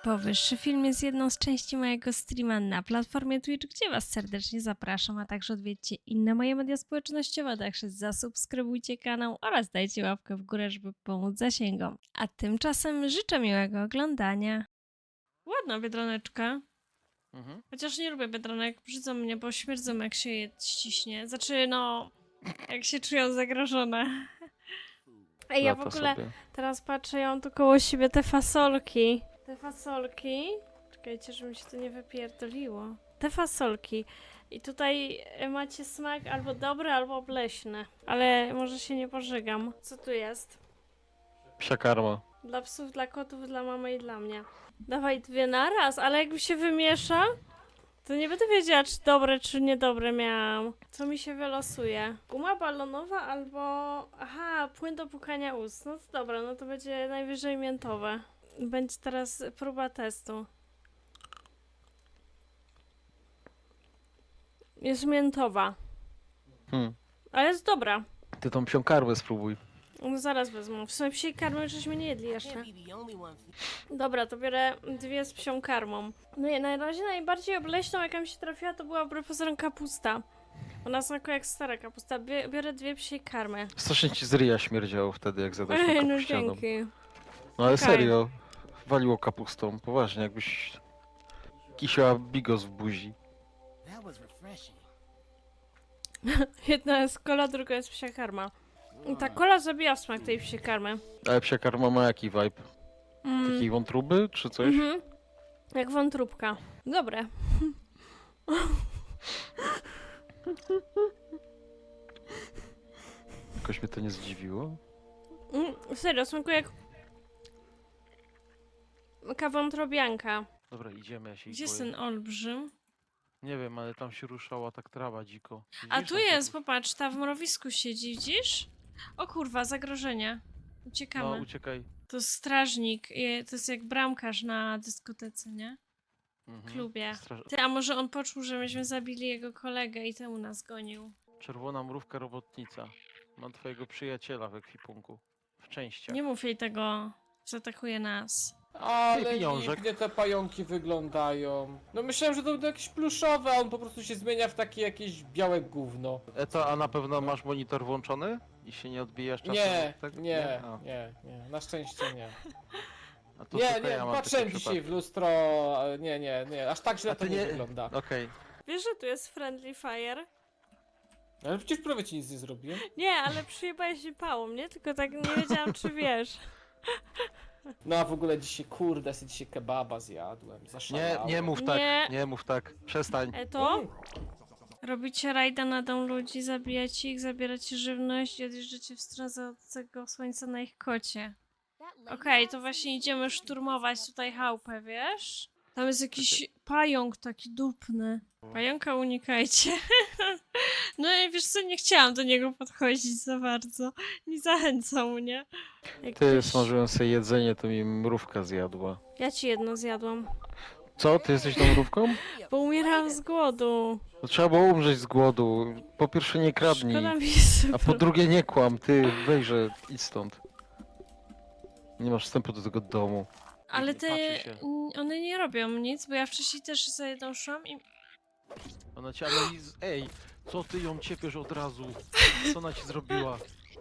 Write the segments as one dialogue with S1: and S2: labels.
S1: Powyższy film jest jedną z części mojego streama na platformie Twitch, gdzie Was serdecznie zapraszam, a także odwiedźcie inne moje media społecznościowe, także zasubskrybujcie kanał oraz dajcie łapkę w górę, żeby pomóc zasięgom. A tymczasem życzę miłego oglądania. Ładna biedroneczka. Chociaż nie lubię biedronek, brzydzą mnie, bo śmierdzą jak się je ściśnie. Znaczy, no, jak się czują zagrożone. Ej, ja w
S2: Lata
S1: ogóle
S2: sobie.
S1: teraz patrzę, ja mam tu koło siebie te fasolki. Te fasolki. Czekajcie, żeby mi się to nie wypierdoliło. Te fasolki. I tutaj macie smak albo dobry, albo obleśny. Ale może się nie pożygam. Co tu jest?
S2: Psia karma.
S1: Dla psów, dla kotów, dla mamy i dla mnie. Dawaj dwie naraz, ale jakby się wymiesza, to nie będę wiedziała, czy dobre, czy niedobre miałam. Co mi się wylosuje? Guma balonowa albo... Aha, płyn do płukania ust. No to dobra, no to będzie najwyżej miętowe. Będzie teraz próba testu. Jest miętowa. Ale jest dobra.
S2: Ty tą psią karmę spróbuj.
S1: No zaraz wezmę. W sumie psiej karmy żeśmy nie jedli jeszcze. Dobra, to biorę dwie z psią karmą. No i na razie najbardziej obleśną, jaka mi się trafiła, to była wbrew pozorom kapusta. Ona smakuje jak stara kapusta. Biorę dwie psie karmy.
S2: Strasznie ci z ryja śmierdziało wtedy, jak zadałeś tą
S1: Ej, no
S2: kapuścianą.
S1: dzięki.
S2: No ale
S1: Okej.
S2: serio, waliło kapustą. Poważnie, jakbyś kisiała bigos w buzi.
S3: That was refreshing.
S1: Jedna jest kola, druga jest psia karma. I ta kola zabija w smak tej psiej karmy.
S2: Ale psia karma ma jaki vibe? Takiej wątróby, czy coś?
S1: Mhm. Jak wątróbka. Dobre.
S2: Jakoś mnie to nie zdziwiło.
S1: Serio, smakuje jak... wątrobianka.
S2: Dobra, idziemy, ja się ich
S1: Gdzie jest
S2: boję.
S1: ten olbrzym?
S2: Nie wiem, ale tam się ruszała tak trawa dziko.
S1: A
S2: Widzisz,
S1: tu
S2: tam
S1: jest,
S2: tak-
S1: popatrz, ta w mrowisku siedzi, widzisz? O kurwa, zagrożenie.
S2: No,
S1: Uciekamy.
S2: uciekaj.
S1: To jest strażnik, to jest jak bramkarz na dyskotece, nie?
S2: Mhm.
S1: Klubie. Ty, a może on poczuł, że myśmy zabili jego kolegę i temu nas gonił?
S2: Czerwona mrówka robotnica. Mam twojego przyjaciela w ekwipunku. W częściach.
S1: Nie mów jej tego, zaatakuje nas.
S4: Ale
S2: pieniążek.
S4: pięknie te pająki wyglądają. No myślałem, że to będą jakieś pluszowe, a on po prostu się zmienia w takie jakieś białe gówno.
S2: A na pewno masz monitor włączony? I się nie odbijasz czasem?
S4: Nie,
S2: od tego?
S4: nie,
S2: A,
S4: nie, nie, na szczęście nie.
S2: a to
S4: Nie,
S2: tylko
S4: nie,
S2: ja mam
S4: patrzyłem
S2: taki
S4: dzisiaj w
S2: przypadek.
S4: lustro, nie, aż tak źle
S2: A
S4: to
S2: ty
S4: nie
S2: nie-
S4: wygląda.
S2: Okej.
S1: Wiesz, że tu jest friendly fire?
S4: Ale przecież prawie ci nic nie zrobiłem.
S1: Nie, ale przyjebałeś mi pałą, nie? Tylko tak nie wiedziałam, czy wiesz.
S4: No a w ogóle dzisiaj, kurde, sobie dzisiaj kebaba zjadłem,
S2: Nie,
S4: zaszalałem.
S2: nie mów tak,
S1: Nie.
S2: nie mów tak. Przestań.
S1: To? Robicie rajda na dom ludzi, zabijacie ich, zabieracie żywność i odjeżdżacie w stronę zachodzącego słońca na ich kocie. Okej, to właśnie idziemy szturmować tutaj chałupę, wiesz? Tam jest jakiś pająk taki dupny. Pająka unikajcie. No i wiesz co, nie chciałam do niego podchodzić za bardzo. Nie zachęcał mnie.
S2: Ty
S1: Jakieś-
S2: smażyłem sobie jedzenie, to mi mrówka zjadła.
S1: Ja ci jedno zjadłam.
S2: Co? Ty jesteś tą mrówką?
S1: Bo umierałam z głodu.
S2: To trzeba było umrzeć z głodu. Po pierwsze nie kradnij,
S1: Szkoda mi
S2: a po drugie nie kłam. Ty wejrze, idź stąd. Nie masz wstępu do tego domu.
S1: Ale
S2: Nie
S1: te...
S2: patrzy się.
S1: one nie robią nic, bo ja wcześniej też za jedną szłam i...
S2: Ona cię Ej, co ty ją ciepiesz od razu? Co ona ci zrobiła?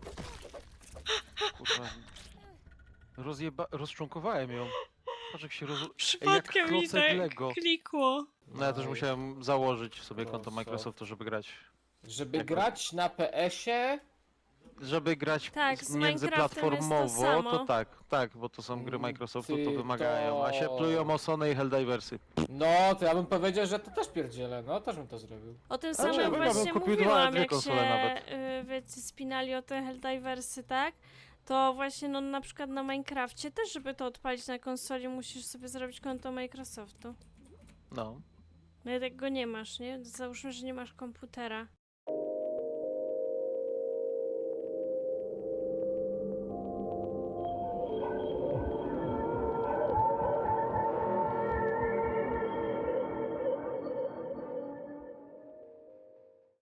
S2: Kurwa. Rozczłonkowałem ją. Patrz jak się
S1: Przypadkiem mi
S2: klocek
S1: tak
S2: Lego.
S1: klikło.
S2: No ja też musiałem założyć sobie konto Microsoftu, żeby grać.
S4: Żeby
S2: Jak-
S4: grać na PS-ie,
S2: Żeby grać
S1: Tak, z Minecraftem
S2: międzyplatformowo,
S1: jest to samo.
S2: to tak, bo to są gry Microsoftu, to
S4: Ty
S2: wymagają. A się
S4: to-
S2: plują o Sony i Helldiversy.
S4: no to ja bym powiedział, że to też pierdzielę, no też bym to zrobił.
S1: O tym
S2: Ale
S1: samym
S2: ja bym
S1: właśnie
S2: kupił
S1: mówiłam,
S2: dwie
S1: jak
S2: konsole
S1: się
S2: nawet.
S1: wiecie, spinali o te Helldiversy, tak? To właśnie, no na przykład na Minecrafcie też, żeby to odpalić na konsoli, musisz sobie zrobić konto Microsoftu.
S2: No.
S1: No jak go nie masz, nie? Załóżmy, że nie masz komputera.